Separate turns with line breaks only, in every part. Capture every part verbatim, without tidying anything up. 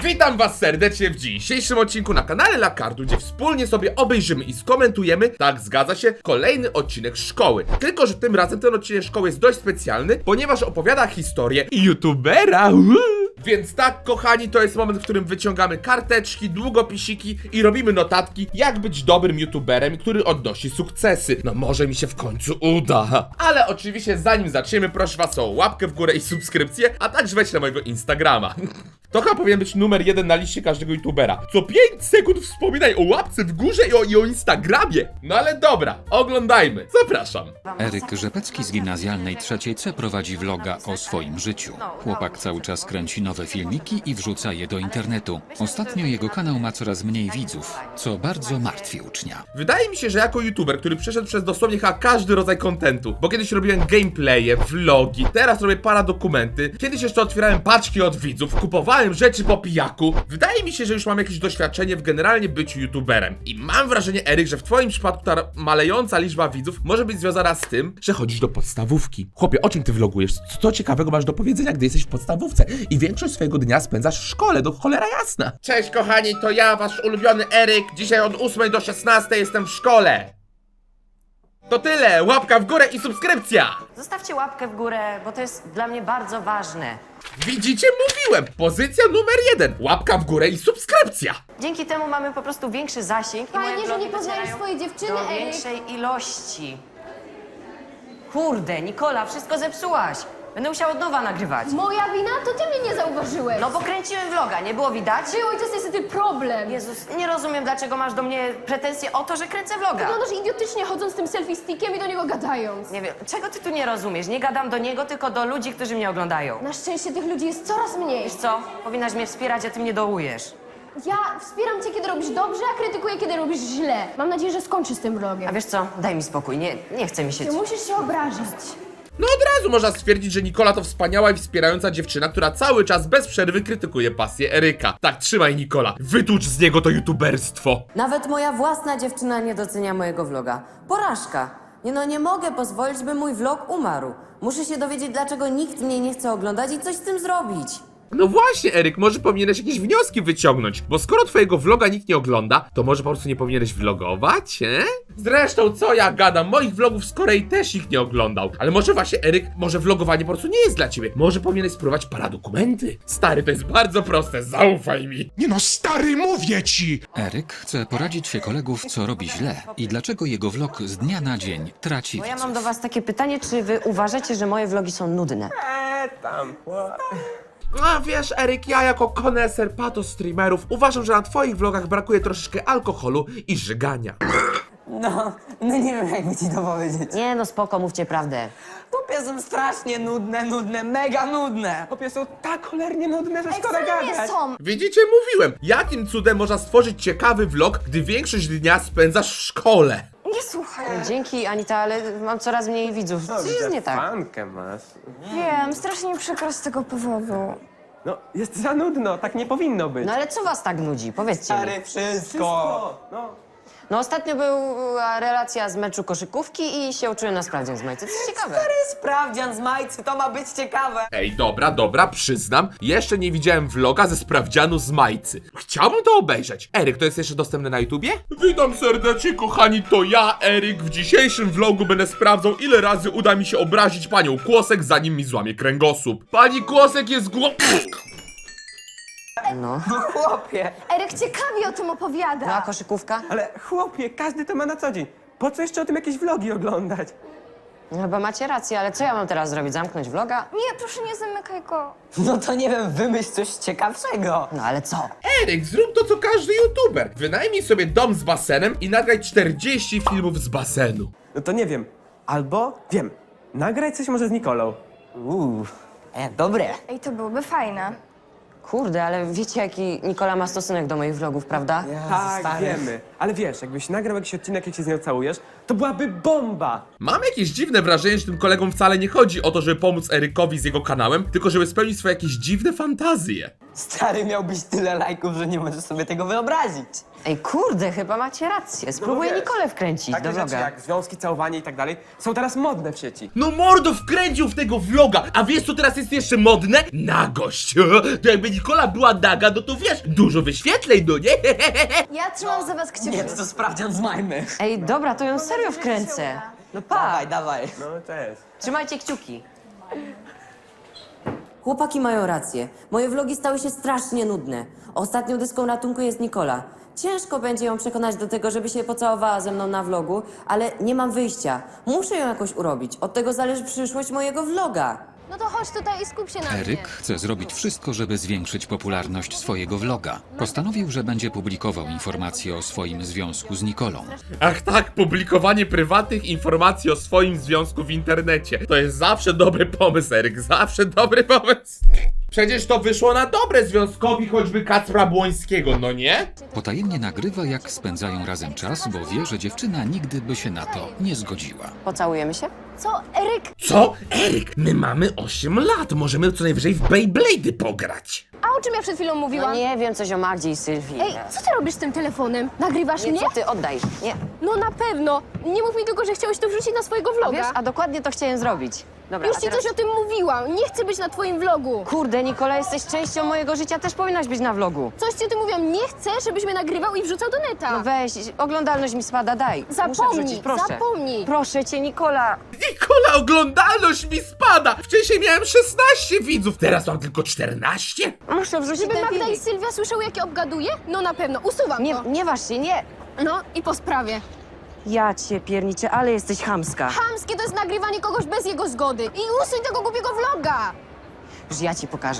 Witam was serdecznie w dzisiejszym odcinku na kanale Lakardu, gdzie wspólnie sobie obejrzymy i skomentujemy, tak zgadza się, kolejny odcinek szkoły. Tylko że tym razem ten odcinek szkoły jest dość specjalny, ponieważ opowiada historię youtubera. Więc tak, kochani, to jest moment, w którym wyciągamy karteczki, długopisiki i robimy notatki, jak być dobrym youtuberem, który odnosi sukcesy. No może mi się w końcu uda. Ale oczywiście zanim zaczniemy, proszę was o łapkę w górę i subskrypcję, a także wejdź na mojego Instagrama. To chyba powinien być numer jeden na liście każdego youtubera. Co pięć sekund wspominaj o łapce w górze i o, i o Instagramie. No ale dobra, oglądajmy. Zapraszam.
Eryk Rzepecki z gimnazjalnej trzeciej C prowadzi vloga o swoim życiu. Chłopak cały czas kręci nowe filmiki i wrzuca je do internetu. Ostatnio jego kanał ma coraz mniej widzów, co bardzo martwi ucznia.
Wydaje mi się, że jako youtuber, który przeszedł przez dosłownie chyba każdy rodzaj kontentu, bo kiedyś robiłem gameplaye, vlogi, teraz robię paradokumenty, kiedyś jeszcze otwierałem paczki od widzów, kupowałem rzeczy po pijaku. Wydaje mi się, że już mam jakieś doświadczenie w generalnie byciu youtuberem. I mam wrażenie, Eryk, że w twoim przypadku ta malejąca liczba widzów może być związana z tym, że chodzisz do podstawówki. Chłopie, o czym ty vlogujesz? Co ciekawego masz do powiedzenia, gdy jesteś w podstawówce i większość swojego dnia spędzasz w szkole, do cholera jasna. Cześć kochani, to ja, wasz ulubiony Eryk. Dzisiaj od ósmej do szesnastej jestem w szkole. To tyle, łapka w górę i subskrypcja!
Zostawcie łapkę w górę, bo to jest dla mnie bardzo ważne.
Widzicie, mówiłem! Pozycja numer jeden, łapka w górę i subskrypcja!
Dzięki temu mamy po prostu większy zasięg i moje
Fajnie, że
vlogi
nie poznajesz
docierają
swojej dziewczyny,
do
Eryk.
większej ilości. Kurde, Nikola, wszystko zepsułaś. Będę musiała od nowa nagrywać.
Moja wina? To ty mnie nie zauważyłeś.
No bo kręciłem vloga, nie było widać?
Było i to jest niestety problem.
Jezus, nie rozumiem, dlaczego masz do mnie pretensje o to, że kręcę vloga.
Wyglądasz idiotycznie chodząc z tym selfie stickiem i do niego gadając.
Nie wiem, czego ty tu nie rozumiesz? Nie gadam do niego, tylko do ludzi, którzy mnie oglądają.
Na szczęście tych ludzi jest coraz mniej.
Wiesz co? Powinnaś mnie wspierać, a ty mnie dołujesz.
Ja wspieram cię, kiedy robisz dobrze, a krytykuję, kiedy robisz źle. Mam nadzieję, że skończysz z tym vlogiem.
A wiesz co? Daj mi spokój, nie, nie chce mi się...
Nie musisz się obrażać.
No od razu można stwierdzić, że Nikola to wspaniała i wspierająca dziewczyna, która cały czas bez przerwy krytykuje pasję Eryka. Tak, trzymaj Nikola, wytłucz z niego to youtuberstwo.
Nawet moja własna dziewczyna nie docenia mojego vloga. Porażka. Nie no, nie mogę pozwolić, by mój vlog umarł. Muszę się dowiedzieć, dlaczego nikt mnie nie chce oglądać i coś z tym zrobić.
No właśnie, Eryk, może powinieneś jakieś wnioski wyciągnąć, bo skoro twojego vloga nikt nie ogląda, to może po prostu nie powinieneś vlogować, e? Zresztą, co ja gadam, moich vlogów z Korei też ich nie oglądał. Ale może właśnie, Eryk, może vlogowanie po prostu nie jest dla ciebie. Może powinieneś spróbować paradokumenty. Stary, to jest bardzo proste, zaufaj mi.
Nie no, stary, mówię ci!
Eryk chce poradzić się kolegów, co robi źle i dlaczego jego vlog z dnia na dzień traci
Bo ja
widzów.
mam do was takie pytanie, czy wy uważacie, że moje vlogi są nudne?
A wiesz, Eryk, ja jako koneser pato streamerów uważam, że na twoich vlogach brakuje troszeczkę alkoholu i żygania.
No, no nie wiem jakby ci to powiedzieć.
Nie no, spoko, mówcie prawdę.
Chłopie są strasznie nudne, nudne, mega nudne. Chłopie są tak cholernie nudne, że szkoda
Wcale nie
gadać.
są.
Widzicie, mówiłem, jakim cudem można stworzyć ciekawy vlog, gdy większość dnia spędzasz w szkole.
Nie słuchaj.
Dzięki, Anita, ale mam coraz mniej widzów. Coś jest nie tak.
Fankę masz.
Wiem, strasznie mi przykro z tego powodu.
No, jest za nudno, tak nie powinno być.
No ale co was tak nudzi? Powiedzcie mi.
Stary, wszystko.
No,
No ostatnio była relacja z meczu koszykówki i się uczyłem na sprawdzian z majcy. To jest ciekawe.
Stary sprawdzian z majcy, to ma być ciekawe.
Ej, dobra, dobra, przyznam, jeszcze nie widziałem vloga ze sprawdzianu z majcy. Chciałbym to obejrzeć. Eryk, to jest jeszcze dostępne na YouTubie? Witam serdecznie, kochani, to ja, Eryk. W dzisiejszym vlogu będę sprawdzał, ile razy uda mi się obrazić panią Kłosek, zanim mi złamie kręgosłup. Pani Kłosek jest gło...
No.
No chłopie.
Eryk ciekawie o tym opowiada.
No a koszykówka?
ale chłopie, każdy to ma na co dzień. Po co jeszcze o tym jakieś vlogi oglądać?
No chyba macie rację, ale co ja mam teraz zrobić? Zamknąć vloga?
Nie, proszę nie zamykaj go.
No to nie wiem, wymyśl coś ciekawszego.
No ale co?
Eryk, zrób to co każdy YouTuber. Wynajmij sobie dom z basenem i nagraj czterdzieści filmów z basenu.
No to nie wiem. Albo, wiem, nagraj coś może z Nikolą.
Uuu, e, dobre.
Ej, to byłoby fajne.
Kurde, ale wiecie jaki Nikola ma stosunek do moich vlogów, prawda?
Tak,
stary.
wiemy. Ale wiesz, jakbyś nagrał jakiś odcinek, jak się z nią całujesz, to byłaby bomba.
Mam jakieś dziwne wrażenie, że tym kolegom wcale nie chodzi o to, żeby pomóc Erykowi z jego kanałem, tylko żeby spełnić swoje jakieś dziwne fantazje.
Stary, miałbyś tyle lajków, że nie możesz sobie tego wyobrazić.
Ej, kurde, chyba macie rację. Spróbuję
wiesz,
Nikolę wkręcić
Takie
do
rzeczy
vloga.
jak związki, całowanie i tak dalej są teraz modne w sieci.
No mordo, wkręcił w tego vloga, a wiesz co teraz jest jeszcze modne? Nagość. To jakby Nikola była naga, no to wiesz, dużo wyświetleń, no nie?
Ja trzymam za was kciuki.
Nie, to, to sprawdzian z Majmy.
Ej, dobra, to ją serio wkręcę. No pa,
Dawaj, dawaj.
No cześć.
trzymajcie kciuki. Chłopaki mają rację. Moje vlogi stały się strasznie nudne. Ostatnią dyską ratunku jest Nikola. Ciężko będzie ją przekonać do tego, żeby się pocałowała ze mną na vlogu, ale nie mam wyjścia. Muszę ją jakoś urobić. Od tego zależy przyszłość mojego vloga.
No to chodź tutaj i skup się na mnie.
Eryk chce zrobić wszystko, żeby zwiększyć popularność swojego vloga. Postanowił, że będzie publikował informacje o swoim związku z Nikolą.
Ach tak, publikowanie prywatnych informacji o swoim związku w internecie. To jest zawsze dobry pomysł, Eryk, zawsze dobry pomysł. Przecież to wyszło na dobre związkowi choćby Kacpra Błońskiego, no nie?
Potajemnie nagrywa, jak spędzają razem czas, bo wie, że dziewczyna nigdy by się na to nie zgodziła.
Pocałujemy się?
Co, Eryk?
Co? Eryk, my mamy osiem lat, możemy co najwyżej w Beyblade'y pograć.
A o czym ja przed chwilą
No
mówiłam?
nie wiem coś o Magdzie i Sylwii.
Ej, co ty robisz z tym telefonem? Nagrywasz
Nie,
mnie?
co ty, oddaj. Nie.
No na pewno. Nie mów mi tylko, że chciałeś to wrzucić na swojego vloga.
Wiesz, a dokładnie to chciałem zrobić. Dobra,
Już
a
ci
teraz...
coś o tym mówiłam. Nie chcę być na twoim vlogu.
Kurde, Nikola, jesteś częścią mojego życia, też powinnaś być na vlogu.
Coś ci o tym mówiłam. Nie chcę, żebyś mnie nagrywał i wrzucał do neta.
No weź, oglądalność mi spada, daj. Muszę
Zapomnij,
wrzucić, proszę.
zapomnij.
Proszę cię, Nikola.
Nikola, oglądalność mi spada! Wcześniej miałem szesnaście widzów, teraz mam tylko czternaście.
Muszę wrzucić
Żeby
ten
Magda i
filmik.
Sylwia słyszały, jak je obgaduję? No na pewno. Usuwam
Nie,
to.
nie waż się, nie.
No i po sprawie.
Ja cię pierniczę, ale jesteś chamska.
Chamskie to jest nagrywanie kogoś bez jego zgody. I usuń tego głupiego vloga.
Już ja ci pokażę.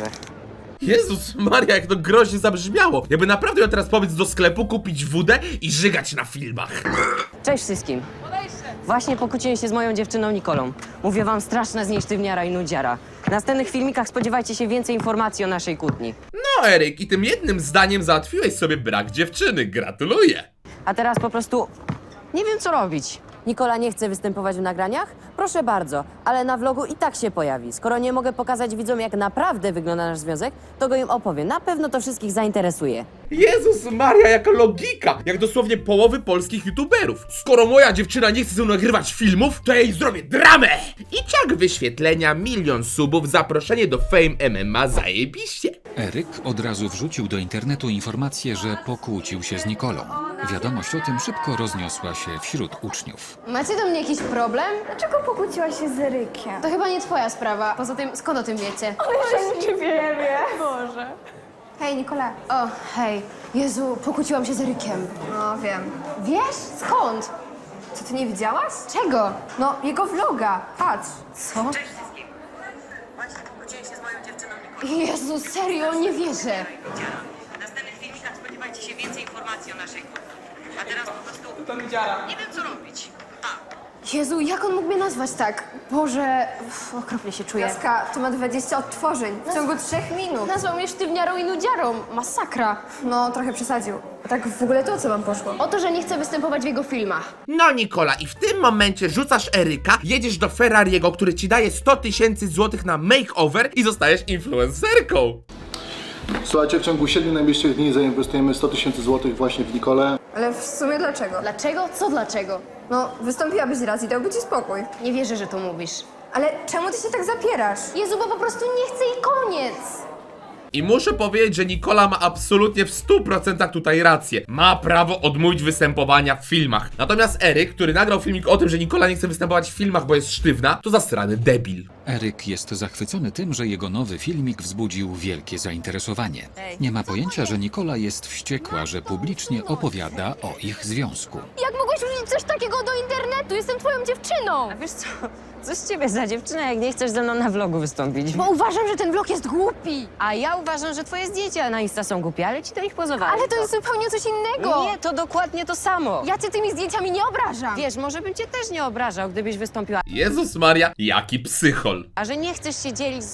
Jezus Maria, jak to groźnie zabrzmiało. Jakby naprawdę ją teraz powiedz do sklepu, kupić wódę i żygać na filmach.
Cześć wszystkim. Właśnie pokłóciłem się z moją dziewczyną Nikolą. Mówię wam, straszna z niej sztywniara i nudziara. W następnych filmikach spodziewajcie się więcej informacji o naszej kłótni.
No Eryk, i tym jednym zdaniem załatwiłeś sobie brak dziewczyny, gratuluję.
A teraz po prostu nie wiem, co robić. Nikola nie chce występować w nagraniach? Proszę bardzo, ale na vlogu i tak się pojawi. Skoro nie mogę pokazać widzom, jak naprawdę wygląda nasz związek, to go im opowiem. Na pewno to wszystkich zainteresuje.
Jezus Maria, jaka logika! Jak dosłownie połowy polskich youtuberów. Skoro moja dziewczyna nie chce ze mną nagrywać filmów, to ja jej zrobię dramę! I ciak wyświetlenia, milion subów, zaproszenie do Fame M M A, zajebiście.
Eryk od razu wrzucił do internetu informację, że pokłócił się z Nikolą. Wiadomość o tym szybko rozniosła się wśród uczniów.
Macie do mnie jakiś problem?
Dlaczego pokłóciłaś się z Erykiem?
To chyba nie twoja sprawa. Poza tym, skąd o tym wiecie?
Nie wiemy. Boże. Hej, Nikola.
O, hej. Jezu, pokłóciłam się z Erykiem.
No, wiem.
Wiesz? Skąd?
Co, ty nie widziałaś?
Czego?
No, jego vloga. Patrz.
Co? Jezu, serio, nie wierzę.
W następnych filmikach spodziewajcie się więcej informacji o naszej kłótni. A teraz po prostu
To mi dziara.
nie wiem, co robić.
Jezu, jak on mógł mnie nazwać tak? Boże, uff, okropnie się czuję.
Jaska, to ma dwadzieścia odtworzeń w ciągu trzech minut.
Nazwał mnie sztywniarą i nudziarą. Masakra.
No, trochę przesadził. A tak w ogóle to o co wam poszło?
O to, że nie chcę występować w jego filmach.
No Nikola, i w tym momencie rzucasz Eryka, jedziesz do Ferrariego, który ci daje sto tysięcy złotych na makeover i zostajesz influencerką.
Słuchajcie, w ciągu siedmiu najbliższych dni zainwestujemy sto tysięcy złotych właśnie w Nikolę.
Ale w sumie dlaczego?
Dlaczego? Co dlaczego?
No, wystąpiłabyś raz i dałby ci spokój.
Nie wierzę, że to mówisz.
Ale czemu ty się tak zapierasz?
Jezu, bo po prostu nie chcę i koniec.
I muszę powiedzieć, że Nikola ma absolutnie w stu procentach tutaj rację. Ma prawo odmówić występowania w filmach. Natomiast Eryk, który nagrał filmik o tym, że Nikola nie chce występować w filmach, bo jest sztywna, to zasrany debil.
Eryk jest zachwycony tym, że jego nowy filmik wzbudził wielkie zainteresowanie. Nie ma pojęcia, że Nikola jest wściekła, że publicznie opowiada o ich związku.
Jak mogłeś wrzucić coś takiego do internetu? Jestem twoją dziewczyną.
A wiesz co? Co z ciebie za dziewczyna, jak nie chcesz ze mną na vlogu wystąpić?
Bo uważam, że ten vlog jest głupi.
A ja uważam, że twoje zdjęcia na Insta są głupie, ale ci do nich pozowałem.
Ale to jest zupełnie coś innego.
Nie, to dokładnie to samo.
Ja cię tymi zdjęciami nie obrażam.
Wiesz, może bym cię też nie obrażał, gdybyś wystąpiła.
Jezus Maria, jaki psychol.
A że nie chcesz się dzielić z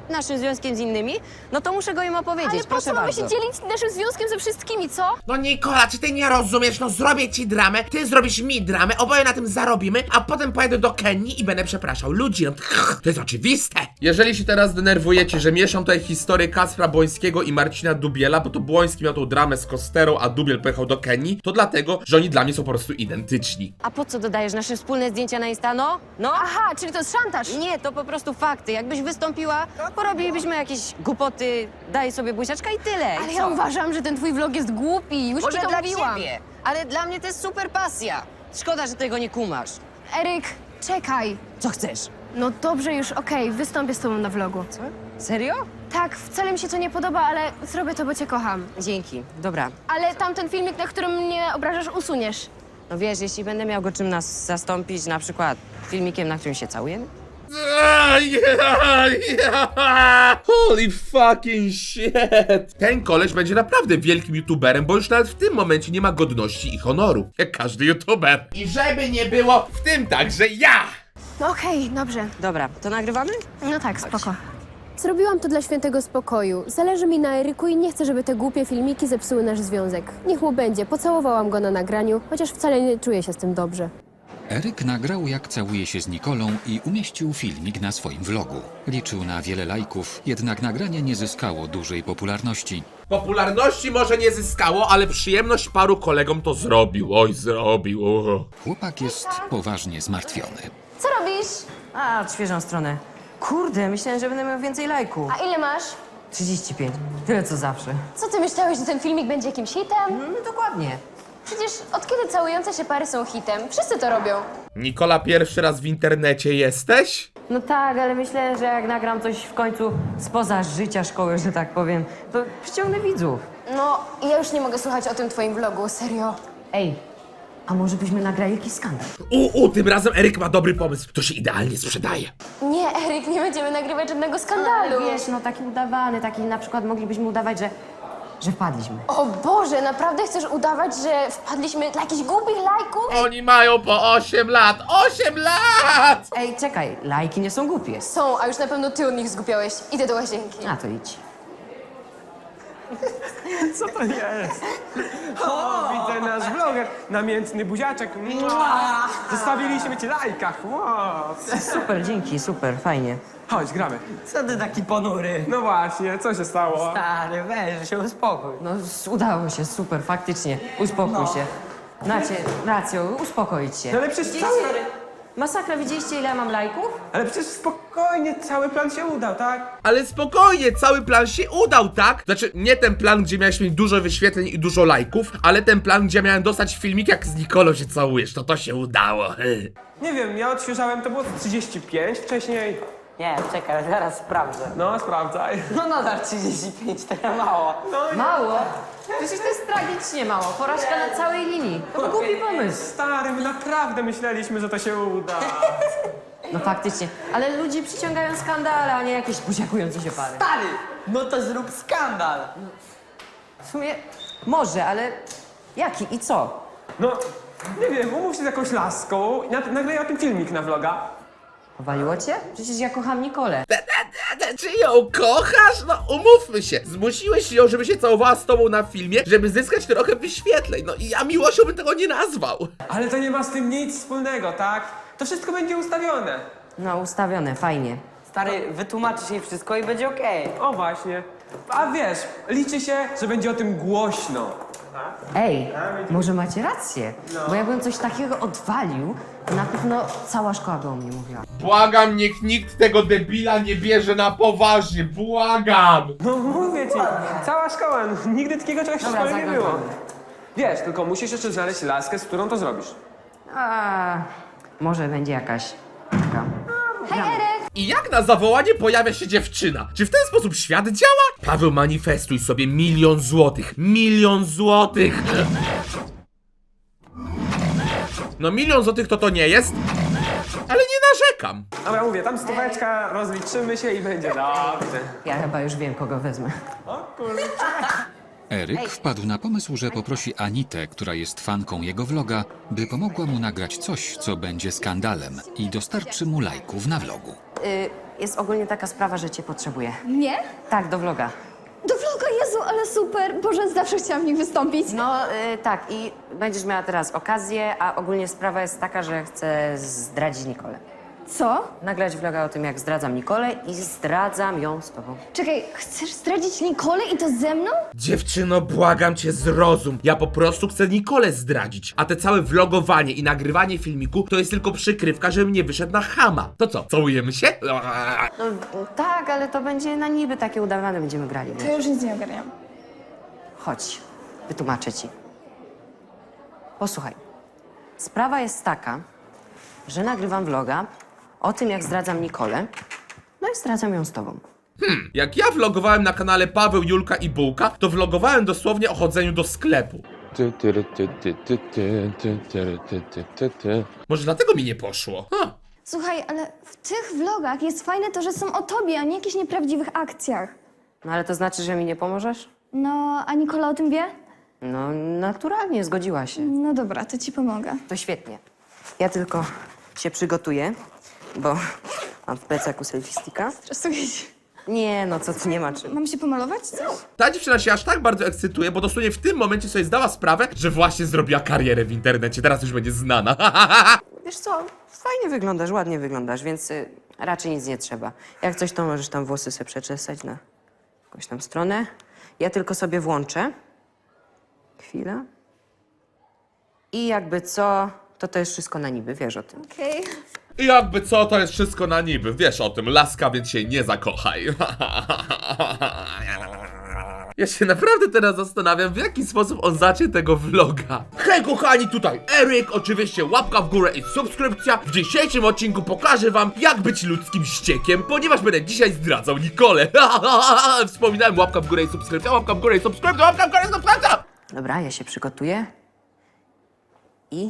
naszym związkiem z innymi, no to muszę go im opowiedzieć,
Ale po
proszę
co mamy
bardzo.
się dzielić naszym związkiem ze wszystkimi, co?
No Nikola, czy ty nie rozumiesz? No zrobię ci dramę, ty zrobisz mi dramę, oboje na tym zarobimy, a potem pojadę do Kenii i będę przepraszał ludzi. No, to jest oczywiste. Jeżeli się teraz denerwujecie, że mieszam tutaj historię Kacpra Błońskiego i Marcina Dubiela, bo to Błoński miał tą dramę z Kosterą, a Dubiel pojechał do Kenii, to dlatego, że oni dla mnie są po prostu identyczni.
A po co dodajesz nasze wspólne zdjęcia na Insta, no? No?
Aha, czyli to jest szantaż.
Nie, to po prostu fakty. Jakbyś wystąpiła, porobilibyśmy jakieś głupoty, daj sobie buziaczka i tyle. I
Ale
co?
ja uważam, że ten twój vlog jest głupi. Już
Może
ci to
dla
mówiłam.
ciebie, ale dla mnie to jest super pasja. Szkoda, że tego nie kumasz.
Eryk, czekaj.
Co chcesz?
No dobrze już, okej, wystąpię z tobą na vlogu. Co?
Serio?
Tak, wcale mi się to nie podoba, ale zrobię to, bo cię kocham.
Dzięki, dobra.
Ale tamten filmik, na którym mnie obrażasz, usuniesz.
No wiesz, jeśli będę miał go czym nas zastąpić, na przykład filmikiem, na którym się całujemy?
Holy fucking shit! Ten koleś będzie naprawdę wielkim youtuberem, bo już nawet w tym momencie nie ma godności i honoru, jak każdy youtuber. I żeby nie było, w tym także ja!
No okej, dobrze.
Dobra, to nagrywamy?
No tak, spoko. Zrobiłam to dla świętego spokoju. Zależy mi na Eryku i nie chcę, żeby te głupie filmiki zepsuły nasz związek. Niech mu będzie. Pocałowałam go na nagraniu, chociaż wcale nie czuję się z tym dobrze.
Eryk nagrał, jak całuje się z Nikolą i umieścił filmik na swoim vlogu. Liczył na wiele lajków, jednak nagranie nie zyskało dużej popularności.
Popularności może nie zyskało, ale przyjemność paru kolegom to zrobił. Oj, zrobił. O.
Chłopak jest poważnie zmartwiony.
Co robisz?
A, odświeżam stronę. Kurde, myślałem, że będę miał więcej lajków.
A ile masz?
trzydzieści pięć. Tyle co zawsze.
Co ty myślałeś, że ten filmik będzie jakimś hitem?
No dokładnie.
Przecież od kiedy całujące się pary są hitem? Wszyscy to robią.
Nikola, pierwszy raz w internecie jesteś?
No tak, ale myślę, że jak nagram coś w końcu spoza życia szkoły, że tak powiem, to przyciągnę widzów.
No, ja już nie mogę słuchać o tym twoim vlogu, serio.
Ej, a może byśmy nagrali jakiś skandal?
U, u, tym razem Eryk ma dobry pomysł. To się idealnie sprzedaje.
Nie, Eryk, nie będziemy nagrywać żadnego skandalu.
Ale wiesz, no taki udawany, taki na przykład moglibyśmy udawać, że, że wpadliśmy.
O Boże, naprawdę chcesz udawać, że wpadliśmy dla jakichś głupich lajków?
Oni mają po osiem lat. osiem lat!
Ej, czekaj, lajki nie są głupie.
Są, a już na pewno ty od nich zgubiałeś. Idę do łazienki.
A to idź.
Co to jest? O, widzę nasz vloger. Namiętny buziaczek. Mua. Zostawiliśmy ci lajka. Wow.
Super, dzięki, super, fajnie.
Chodź, gramy.
Co ty taki ponury?
No właśnie, co się stało?
Stary, weź się uspokój.
No s- udało się, super, faktycznie. Uspokój się. Macie rację, uspokoić się.
No ale przecież cały...
Masakra, widzieliście ile ja mam lajków?
Ale przecież spokojnie, cały plan się udał, tak?
Ale spokojnie, cały plan się udał, tak? Znaczy, nie ten plan, gdzie miałeś mieć dużo wyświetleń i dużo lajków, ale ten plan, gdzie miałem dostać filmik, jak z Nikolą się całujesz. To to się udało.
Nie wiem, ja odświeżałem, to było trzydzieści pięć wcześniej.
Nie, czekaj, zaraz sprawdzę.
No, sprawdzaj.
No nadal trzydzieści pięć, to ja mało.
Mało? Przecież to jest tragicznie mało. Porażka na całej linii. To był głupi pomysł.
Stary, my naprawdę myśleliśmy, że to się uda.
No faktycznie. Ale ludzie przyciągają skandale, a nie jakieś buziakujące się pary.
Stary, no to zrób skandal.
W sumie może, ale jaki i co?
No, nie wiem, umów się z jakąś laską i na- nagraj o tym filmik na vloga.
Powaliło cię? Przecież ja kocham Nikolę.
Czy ją kochasz? No umówmy się. Zmusiłeś ją, żeby się całowała z tobą na filmie, żeby zyskać trochę wyświetleń. No i ja miłością bym tego nie nazwał.
Ale to nie ma z tym nic wspólnego, tak? To wszystko będzie ustawione.
No ustawione, fajnie.
Stary, wytłumaczysz jej wszystko i będzie okej.
O właśnie. A wiesz, liczy się, że będzie o tym głośno.
Ej, może macie rację, bo jakbym coś takiego odwalił, to na pewno cała szkoła by o mnie mówiła.
Błagam, niech nikt tego debila nie bierze na poważnie. Błagam.
No mówię ci, cała szkoła, no, nigdy takiego czegoś w
Dobra,
szkole nie
zagram
było.
to.
Wiesz, tylko musisz jeszcze znaleźć laskę, z którą to zrobisz.
A może będzie jakaś taka.
Hej, Eryk!
I jak na zawołanie pojawia się dziewczyna? Czy w ten sposób świat działa? Paweł, manifestuj sobie milion złotych. Milion złotych. No milion złotych to to nie jest, ale nie narzekam.
Dobra, mówię, tam stóweczka, rozliczymy się i będzie dobrze.
Ja chyba już wiem, kogo wezmę.
O kurde.
Eryk wpadł na pomysł, że poprosi Anitę, która jest fanką jego vloga, by pomogła mu nagrać coś, co będzie skandalem i dostarczy mu lajków na vlogu.
Y, jest ogólnie taka sprawa, że cię potrzebuję.
Nie?
Tak, do vloga.
Do vloga, Jezu, ale super! Boże, zawsze chciałam w nich wystąpić.
No y, tak, i będziesz miała teraz okazję, a ogólnie sprawa jest taka, że chcę zdradzić Nikolę.
Co?
Nagrać vloga o tym, jak zdradzam Nikolę i zdradzam ją z tobą.
Czekaj, chcesz zdradzić Nikolę i to ze mną?
Dziewczyno, błagam cię, zrozum. Ja po prostu chcę Nikolę zdradzić. A te całe vlogowanie i nagrywanie filmiku to jest tylko przykrywka, żebym nie wyszedł na chama. To co, całujemy się?
No tak, ale to będzie na niby takie udawane, będziemy grali.
To
Wiesz?
już nic nie ogarniam.
Chodź, wytłumaczę ci. Posłuchaj. Sprawa jest taka, że nagrywam vloga o tym, jak zdradzam Nikolę, no i zdradzam ją z tobą.
Jak ja vlogowałem na kanale Paweł, Julka i Bułka, to vlogowałem dosłownie o chodzeniu do sklepu.
Ty, ty, ty, ty, ty, ty, ty, ty, ty, ty, ty, ty.
Może dlatego mi nie poszło. Ha.
Słuchaj, ale w tych vlogach jest fajne to, że są o tobie, a nie jakichś nieprawdziwych akcjach.
No ale to znaczy, że mi nie pomożesz?
No, a Nikola o tym wie?
No naturalnie, zgodziła się.
No dobra, to ci pomogę.
To świetnie. Ja tylko się przygotuję, bo mam w plecaku selfie sticka.
Stresuję się.
Nie, no co ty, nie ma czym.
Mam się pomalować? Coś?
Ta dziewczyna się aż tak bardzo ekscytuje, bo dosłownie w tym momencie sobie zdała sprawę, że właśnie zrobiła karierę w internecie. Teraz już będzie znana.
Wiesz co, fajnie wyglądasz, ładnie wyglądasz, więc y, raczej nic nie trzeba. Jak coś, to możesz tam włosy sobie przeczesać na jakąś tam stronę. Ja tylko sobie włączę. Chwila. I jakby co, to to jest wszystko na niby, wiesz o tym.
Okej.
I jakby co, to jest wszystko na niby. Wiesz o tym, laska, więc się nie zakochaj. Ja się naprawdę teraz zastanawiam, w jaki sposób on zacznie tego vloga. Hej kochani, tutaj Eryk, oczywiście łapka w górę i subskrypcja. W dzisiejszym odcinku pokażę wam, jak być ludzkim ściekiem, ponieważ będę dzisiaj zdradzał Nikolę. Wspominałem, łapka w górę i subskrypcja, łapka w górę i subskrypcja, łapka w górę i subskrypcja.
Dobra, ja się przygotuję. I...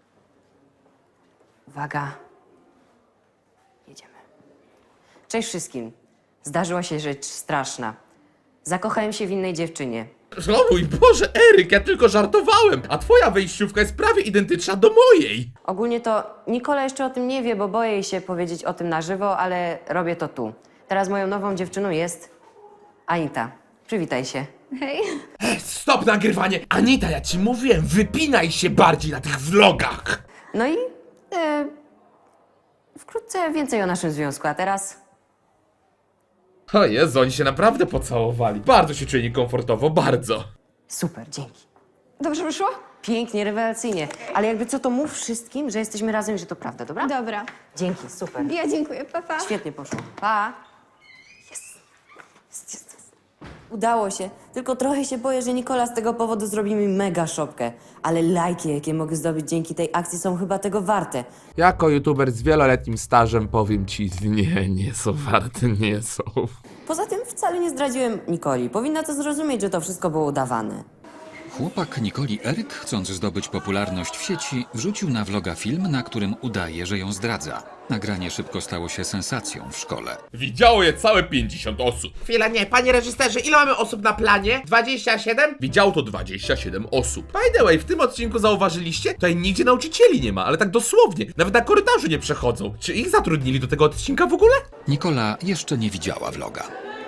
Uwaga. Jedziemy. Cześć wszystkim. Zdarzyła się rzecz straszna. Zakochałem się w innej dziewczynie.
O mój Boże, Eryk, ja tylko żartowałem, a twoja wejściówka jest prawie identyczna do mojej.
Ogólnie to Nikola jeszcze o tym nie wie, bo boję jej się powiedzieć o tym na żywo, ale robię to tu. Teraz moją nową dziewczyną jest Anita. Przywitaj się.
Hej.
Stop nagrywanie! Anita, ja ci mówiłem, wypinaj się bardziej na tych vlogach!
No i e, wkrótce więcej o naszym związku, a teraz...
O Jezu, oni się naprawdę pocałowali. Bardzo się czuję niekomfortowo, bardzo.
Super, dzięki.
Dobrze wyszło?
Pięknie, rewelacyjnie. Ale jakby co, to mów wszystkim, że jesteśmy razem i że to prawda, dobra?
Dobra.
Dzięki, super.
Ja dziękuję, papa.
Świetnie poszło. Pa! Jest. Jest, jest.
Udało się, tylko trochę się boję, że Nikola z tego powodu zrobi mi mega szopkę. Ale lajki, jakie mogę zdobyć dzięki tej akcji, są chyba tego warte.
Jako youtuber z wieloletnim stażem powiem ci, nie, nie są warte, nie są.
Poza tym wcale nie zdradziłem Nikoli. Powinna to zrozumieć, że to wszystko było udawane.
Chłopak Nikoli Eryk, chcąc zdobyć popularność w sieci, wrzucił na vloga film, na którym udaje, że ją zdradza. Nagranie szybko stało się sensacją w szkole.
Widziało je całe pięćdziesiąt osób. Chwila, nie, panie reżyserze, ile mamy osób na planie? dwadzieścia siedem? Widziało to dwadzieścia siedem osób. By the way, w tym odcinku zauważyliście? Tutaj nigdzie nauczycieli nie ma, ale tak dosłownie. Nawet na korytarzu nie przechodzą. Czy ich zatrudnili do tego odcinka w ogóle?
Nikola jeszcze nie widziała vloga.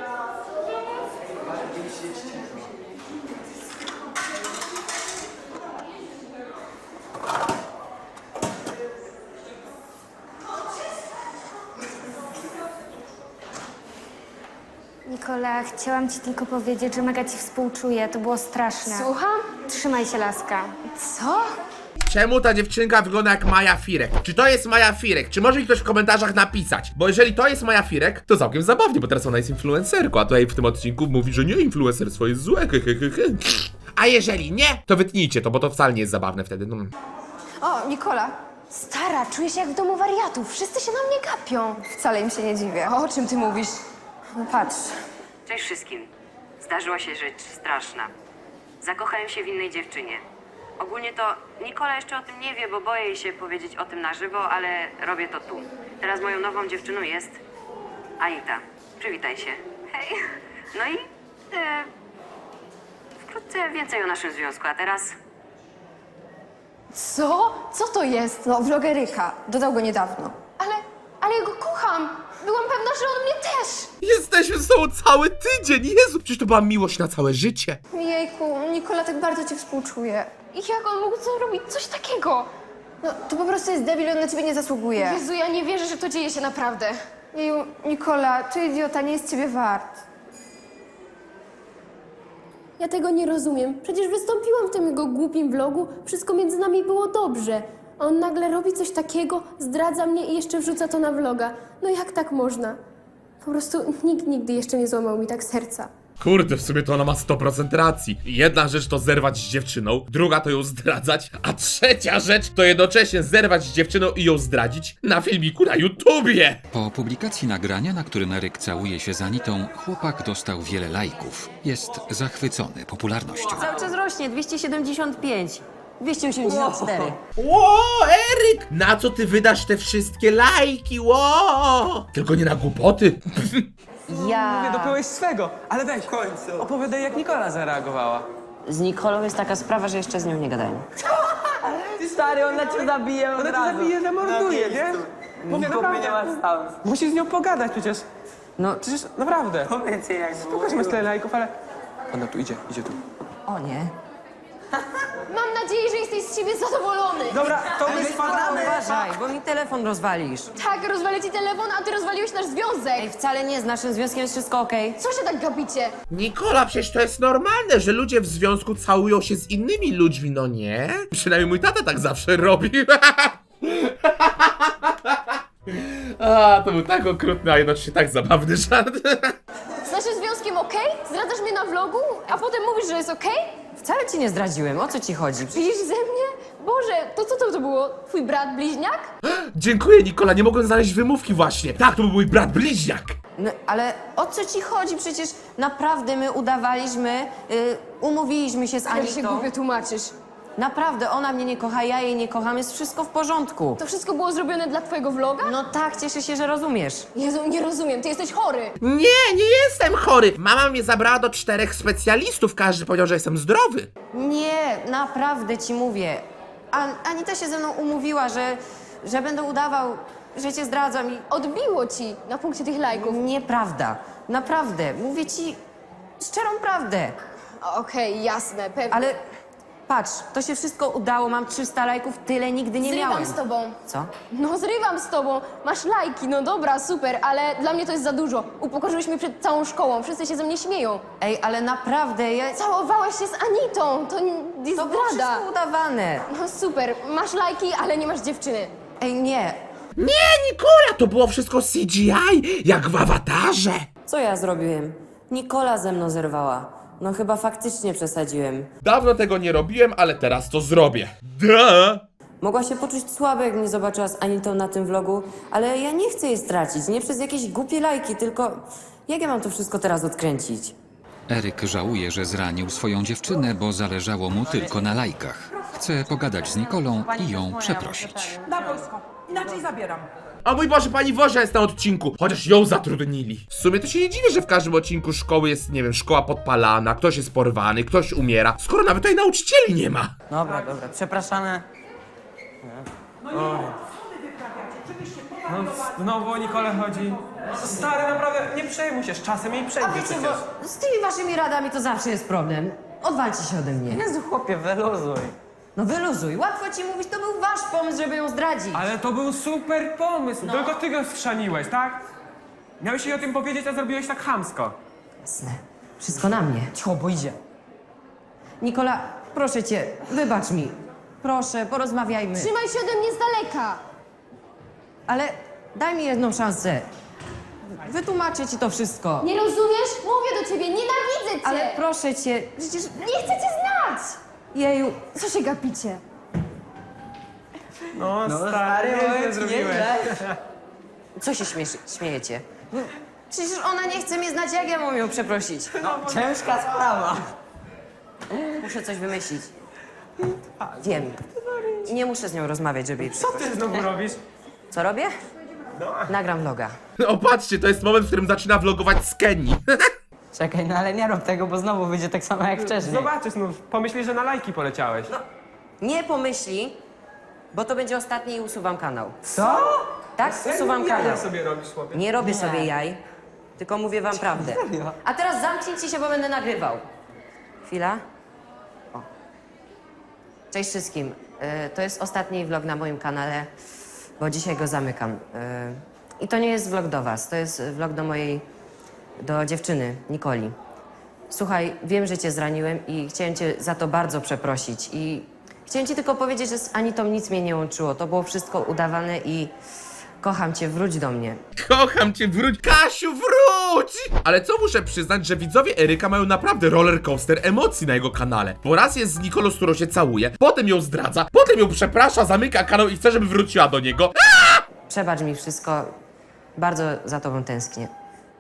Nikola, chciałam ci tylko powiedzieć, że mega ci współczuję. To było straszne.
Słucham?
Trzymaj się, laska.
Co?
Czemu ta dziewczynka wygląda jak Maja Firek? Czy to jest Maja Firek? Czy może mi ktoś w komentarzach napisać? Bo jeżeli to jest Maja Firek, to całkiem zabawnie, bo teraz ona jest influencerką, a tutaj w tym odcinku mówi, że nie, influencerstwo jest złe, he, he, he, he. A jeżeli nie, to wytnijcie to, bo to wcale nie jest zabawne wtedy. No.
O, Nikola.
Stara, czuję się jak w domu wariatów. Wszyscy się na mnie gapią.
Wcale im się nie dziwię. O czym ty mówisz? No patrz.
Cześć wszystkim. Zdarzyła się rzecz straszna. Zakochałem się w innej dziewczynie. Ogólnie to Nikola jeszcze o tym nie wie, bo boję jej się powiedzieć o tym na żywo, ale robię to tu. Teraz moją nową dziewczyną jest Anita. Przywitaj się. Hej. No i e, wkrótce więcej o naszym związku, a teraz...
Co? Co to jest? No, vlogeryka. Dodał go niedawno. Ale, ale ja go kocham.
byłam pewna, że on mnie też.
Jesteśmy ze sobą cały tydzień, Jezu, przecież to była miłość na całe życie.
Jejku, Nikola tak bardzo ci współczuje. I jak on mógł zrobić coś takiego? No, to po prostu jest debil, on na ciebie nie zasługuje. Jezu, ja nie wierzę, że to dzieje się naprawdę. Jeju, Nikola, ty idiota, nie jest ciebie wart. Ja tego nie rozumiem. Przecież wystąpiłam w tym jego głupim vlogu, wszystko między nami było dobrze. A on nagle robi coś takiego, zdradza mnie i jeszcze wrzuca to na vloga. No jak tak można? Po prostu nikt nigdy jeszcze nie złamał mi tak serca.
Kurde, w sumie to ona ma sto procent racji. Jedna rzecz to zerwać z dziewczyną, druga to ją zdradzać, a trzecia rzecz to jednocześnie zerwać z dziewczyną i ją zdradzić na filmiku na YouTubie.
Po publikacji nagrania, na którym Eryk całuje się z Anitą, chłopak dostał wiele lajków. Jest zachwycony popularnością.
Cały czas rośnie, dwieście siedemdziesiąt pięć, dwieście osiemdziesiąt cztery.
Ło, Eryk! Na co ty wydasz te wszystkie lajki, ło? Tylko nie na głupoty.
Ja...
Mówię, dopiąłeś swego, ale weź, w końcu. Opowiadaj, jak Nikola zareagowała.
Z Nikolą jest taka sprawa, że jeszcze z nią nie gadałem. Stary, ona cię zabije od
Ona cię
razu.
zabije, zamorduje, nie? Mówię, naprawdę. Musisz z nią pogadać przecież.
No,
Przecież naprawdę. Powiedz jej, jak Spoko, że masz tyle lajków, ale... Ona tu idzie, idzie tu.
o nie.
Mam nadzieję, że jesteś z siebie zadowolony.
Dobra, to my spadamy.
Uważaj, bo mi telefon rozwalisz.
Tak, rozwalę ci telefon, a ty rozwaliłeś nasz związek.
Ej, wcale nie, z naszym związkiem jest wszystko okej.
Co się tak gapicie?
Nikola, przecież to jest normalne, że ludzie w związku całują się z innymi ludźmi, no nie? Przynajmniej mój tata tak zawsze robi. A, to był tak okrutny, a jednocześnie tak zabawny żart.
Z naszym związkiem okej? Zdradzasz mnie na vlogu, a potem mówisz, że jest okej?
Wcale ci nie zdradziłem, o co ci chodzi?
Widzisz ze mnie? Boże, to co to, to było? Twój brat bliźniak?
Dziękuję, Nikola, nie mogłem znaleźć wymówki właśnie. Tak, to był mój brat bliźniak.
No, ale o co ci chodzi? Przecież naprawdę my udawaliśmy, y, umówiliśmy się z
Ale się
Anitą.
głupio tłumaczysz.
Naprawdę, ona mnie nie kocha, ja jej nie kocham, jest wszystko w porządku.
To wszystko było zrobione dla twojego vloga?
No tak, cieszę się, że rozumiesz.
Jezu, nie rozumiem, ty jesteś chory.
Nie, nie jestem chory. Mama mnie zabrała do czterech specjalistów, każdy powiedział, że jestem zdrowy.
Nie, naprawdę ci mówię. An Anita się ze mną umówiła, że, że będę udawał, że cię zdradzam i...
Odbiło ci na punkcie tych lajków.
Nieprawda. Naprawdę. Mówię ci szczerą prawdę.
Okej, jasne, pewnie.
Ale patrz, to się wszystko udało, mam trzysta lajków, tyle nigdy nie
Zrywam
miałem.
z tobą.
Co?
No zrywam z tobą. Masz lajki, no dobra, super, ale dla mnie to jest za dużo. Upokorzyłeś mnie przed całą szkołą, wszyscy się ze mnie śmieją.
Ej, ale naprawdę, ja...
Całowałeś się z Anitą, to n- jest
To było
zdrada.
wszystko udawane.
No super, masz lajki, ale nie masz dziewczyny.
Ej, nie.
Nie, Nikola, to było wszystko C G I, jak w awatarze.
Co ja zrobiłem? Nikola ze mną zerwała. No chyba faktycznie przesadziłem.
Dawno tego nie robiłem, ale teraz to zrobię. Da!
Mogła się poczuć słabo, jak mnie zobaczyła z Anitą na tym vlogu, ale ja nie chcę jej stracić, nie przez jakieś głupie lajki, tylko jak ja mam to wszystko teraz odkręcić?
Eryk żałuje, że zranił swoją dziewczynę, bo zależało mu tylko na lajkach. Chce pogadać z Nikolą i ją przeprosić.
Na wojsko. Inaczej zabieram.
O mój Boże, pani Wozia jest na odcinku, chociaż ją zatrudnili. W sumie to się nie dziwię, że w każdym odcinku szkoły jest, nie wiem, szkoła podpalana, ktoś jest porwany, ktoś umiera, skoro nawet tutaj nauczycieli nie ma.
Dobra, dobra, przepraszamy.
No, znowu o Nikolę chodzi. Stary, naprawdę, nie przejmuj się, z czasem jej
A
przejdzie
wiecie,
przecież.
bo z tymi waszymi radami to zawsze jest problem. Odwalcie się ode mnie.
Jezu, chłopie, wyluzuj.
No wyluzuj, łatwo ci mówić, to był wasz pomysł, żeby ją zdradzić.
Ale to był super pomysł, tylko ty go schrzaniłeś, tak? Miałeś jej o tym powiedzieć, a zrobiłeś tak chamsko.
Jasne, wszystko na mnie.
Cicho, bo idzie.
Nikola, proszę cię, wybacz mi. Proszę, porozmawiajmy.
Trzymaj się ode mnie z daleka.
Ale daj mi jedną szansę. Wytłumaczę ci to wszystko.
Nie rozumiesz? Mówię do ciebie, nienawidzę cię.
Ale proszę cię, przecież...
Nie chcę cię znać.
Jeju,
Co się gapicie?
No, stary, nieźle zrobiłeś.
co się śmiesz, śmiejecie? No, przecież ona nie chce mnie znać, jak ja mam ją przeprosić?
Ciężka sprawa.
Muszę coś wymyślić. Wiem. Nie muszę z nią rozmawiać, żeby jej
Co
przeprosić.
ty znowu robisz?
Co robię? Nagram vloga.
O, patrzcie, to jest moment, w którym zaczyna vlogować z Kenii.
Czekaj, no ale nie rób tego, bo znowu wyjdzie tak samo jak wcześniej.
Zobaczysz, no, pomyślisz, że na lajki poleciałeś.
Nie pomyśli, bo to będzie ostatni i usuwam kanał.
Co?
Tak? Usuwam
Jaja
kanał.
sobie robisz, chłopie.
Nie robię
Nie.
sobie jaj, tylko mówię wam prawdę.
Serio?
A teraz zamknijcie się, bo będę nagrywał. Chwila. O. Cześć wszystkim. Y, to jest ostatni vlog na moim kanale, bo dzisiaj go zamykam. Y, I to nie jest vlog do was, to jest vlog do mojej, do dziewczyny, Nikoli. Słuchaj, wiem, że cię zraniłem i chciałem cię za to bardzo przeprosić. I chciałem ci tylko powiedzieć, że z Anitą nic mnie nie łączyło. To było wszystko udawane i kocham cię, wróć do mnie.
Kocham cię, wróć! Kasiu, wróć! Ale co muszę przyznać, że widzowie Eryka mają naprawdę roller coaster emocji na jego kanale. Bo raz jest z Nikolą, z którą się całuje, potem ją zdradza, potem ją przeprasza, zamyka kanał i chce, żeby wróciła do niego.
Przebacz mi wszystko, bardzo za tobą tęsknię.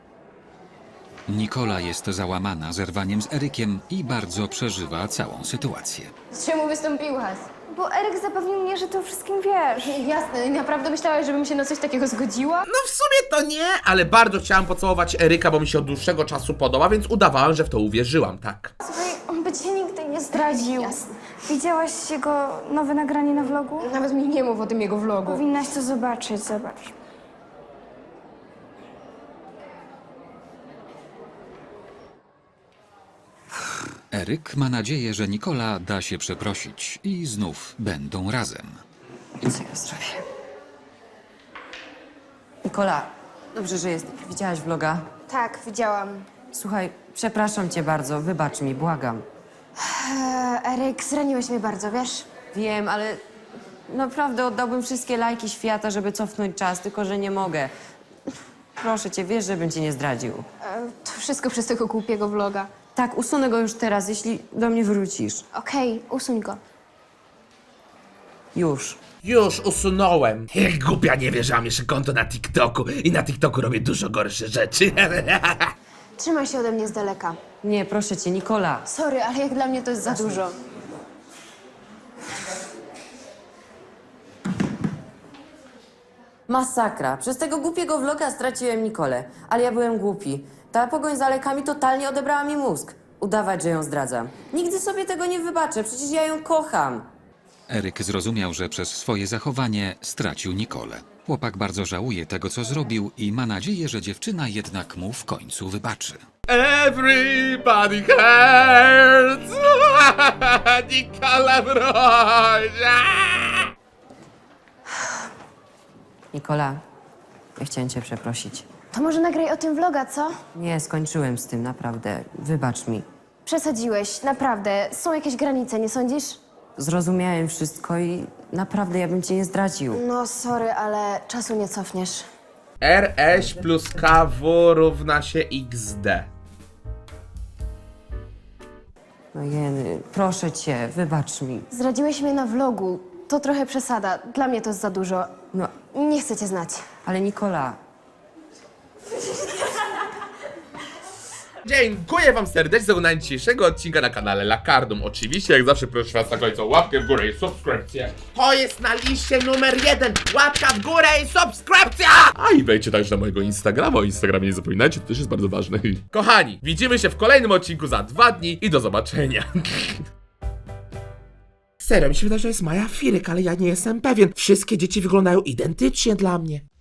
Nikola jest załamana zerwaniem z Erykiem i bardzo przeżywa całą sytuację.
Czemu wystąpiłaś?
Bo Eryk zapewnił mnie, że ty o wszystkim wiesz.
Jasne, naprawdę myślałaś, żebym się na coś takiego zgodziła?
No w sumie to nie, ale bardzo chciałam pocałować Eryka, bo mi się od dłuższego czasu podoba, więc udawałam, że w to uwierzyłam, tak.
Słuchaj, on by cię nigdy nie zdradził.
Jasne.
Widziałaś jego nowe nagranie na vlogu?
Nawet mi nie mów o tym jego vlogu.
Powinnaś to zobaczyć, zobacz.
Eryk ma nadzieję, że Nikola da się przeprosić i znów będą razem.
Co ja zrobię? Nikola, dobrze, że jesteś. Widziałaś vloga?
Tak, widziałam.
Słuchaj, przepraszam cię bardzo, wybacz mi, błagam.
E, Eryk, zraniłeś mnie bardzo, wiesz?
Wiem, ale naprawdę oddałbym wszystkie lajki świata, żeby cofnąć czas, tylko że nie mogę. Proszę cię, wiesz, żebym cię nie zdradził.
E, to wszystko przez tego głupiego vloga.
Tak, usunę go już teraz, jeśli do mnie wrócisz.
Okej, usuń go.
Już.
Już usunąłem. Jak głupia, nie wie, że mam jeszcze konto na TikToku i na TikToku robię dużo gorsze rzeczy.
Trzymaj się ode mnie z daleka.
Nie, proszę cię, Nikola.
Sorry, ale jak dla mnie to jest za dużo.
Masakra. Przez tego głupiego vloga straciłem Nikolę, ale ja byłem głupi. Ta pogoń za lekami totalnie odebrała mi mózg. Udawać, że ją zdradzam. Nigdy sobie tego nie wybaczę, przecież ja ją kocham.
Eryk zrozumiał, że przez swoje zachowanie stracił Nikolę. Chłopak bardzo żałuje tego, co zrobił i ma nadzieję, że dziewczyna jednak mu w końcu wybaczy.
Everybody hurts. Nikola, wróć!
Nikola, ja chciałem cię przeprosić.
To może nagraj o tym vloga, co?
Nie, skończyłem z tym, naprawdę. Wybacz mi.
Przesadziłeś, naprawdę. Są jakieś granice, nie sądzisz?
Zrozumiałem wszystko i naprawdę ja bym cię nie zdradził.
No, sorry, ale czasu nie cofniesz.
R S plus K W równa się X D.
No Jeny, proszę cię, wybacz mi.
Zdradziłeś mnie na vlogu. To trochę przesada. Dla mnie to jest za dużo.
No,
Nie chcę cię znać.
ale Nikola,
Dziękuję wam serdecznie za oglądanie dzisiejszego odcinka na kanale Lakardum. Oczywiście, jak zawsze proszę was na końcu o łapkę w górę i subskrypcję. To jest na liście numer jeden. Łapka w górę i subskrypcja! A i wejdźcie także na mojego Instagrama. O Instagramie nie zapominajcie, to też jest bardzo ważne. Kochani, widzimy się w kolejnym odcinku za dwa dni i do zobaczenia. Serio, mi się wydaje, że jest Maja Firyk, ale ja nie jestem pewien. Wszystkie dzieci wyglądają identycznie dla mnie.